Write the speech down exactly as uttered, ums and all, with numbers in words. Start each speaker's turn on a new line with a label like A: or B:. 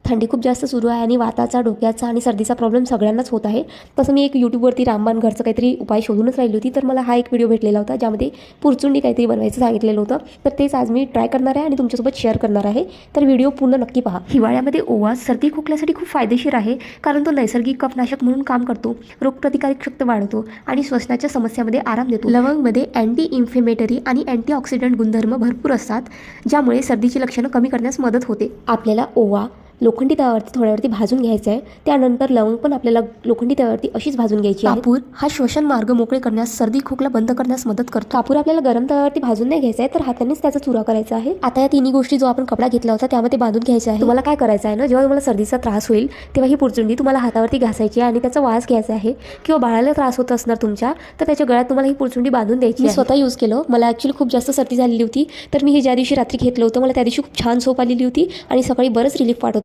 A: थंडी खूप जास्त सुरू आहे आणि वाताचा, डोक्याचा आणि सर्दीचा प्रॉब्लेम सगळ्यांनाच होत आहे. तसं मी एक यूट्यूबवरती रामबाण घरचं काहीतरी उपाय शोधूनच राहिली होती, तर मला हा एक व्हिडिओ भेटलेला होता ज्यामध्ये पुरचुंडी काहीतरी बनवायचं सांगितलेलं होतं. तर तेच आज मी ट्राय करणार आहे आणि तुमच्यासोबत शेअर करणार आहे. तर व्हिडिओ पूर्ण नक्की पहा. हिवाळ्यामध्ये ओवा सर्दी खोकल्यासाठी खूप फायदेशीर आहे, कारण तो नैसर्गिक कफनाशक म्हणून काम करतो, रोगप्रतिकारक शक्ती वाढवतो आणि श्वसनाच्या समस्यामध्ये आराम देतो. लवंगमध्ये अँटी इन्फ्लेमेटरी आणि अँटीऑक्सिडंट गुणधर्म भरपूर असतात, ज्यामुळे सर्दीची लक्षणं कमी करण्यास मदत होते. आपल्याला ओवा लोखंडी तव्यावरती थोड्यावरती भाजून घ्यायचं आहे. त्यानंतर लवंग पण आपल्याला लोखंडी तव्यावरती अशीच भाजून घ्यायची आहे. कापूर हा श्वसन मार्ग मोकळे करण्यास, सर्दी खोकला बंद करण्यास मदत करतो. कापूर आपल्याला गरम तव्यावरती भाजून नाही घ्यायचा आहे, तर हातानेच त्याचा चुरा करायचा आहे. आता या तिन्ही गोष्टी जो आपण कपडा घेतला होता त्यामध्ये बांधून घ्यायचा आहे. तुम्हाला काय करायचं आहे ना, जेव्हा तुम्हाला सर्दीचा त्रास होईल तेव्हा ही पुरचुंडी तुम्हाला हातावरती घासायची आहे आणि त्याचा वास घ्यायचा आहे. किंवा बाळाला त्रास होत असणार तुमच्या, तर त्याच्या गळ्यात तुम्हाला ही पुरचुंडी बांधून द्यायची. मी स्वतः यूज केलं. मला ॲक्च्युली खूप जास्त सर्दी झालेली होती, तर मी हे ज्या दिवशी रात्री घेतलं होतं मला त्या दिवशी खूप छान झोप आलेली होती आणि सकाळी बरंच रिलीफ वाटत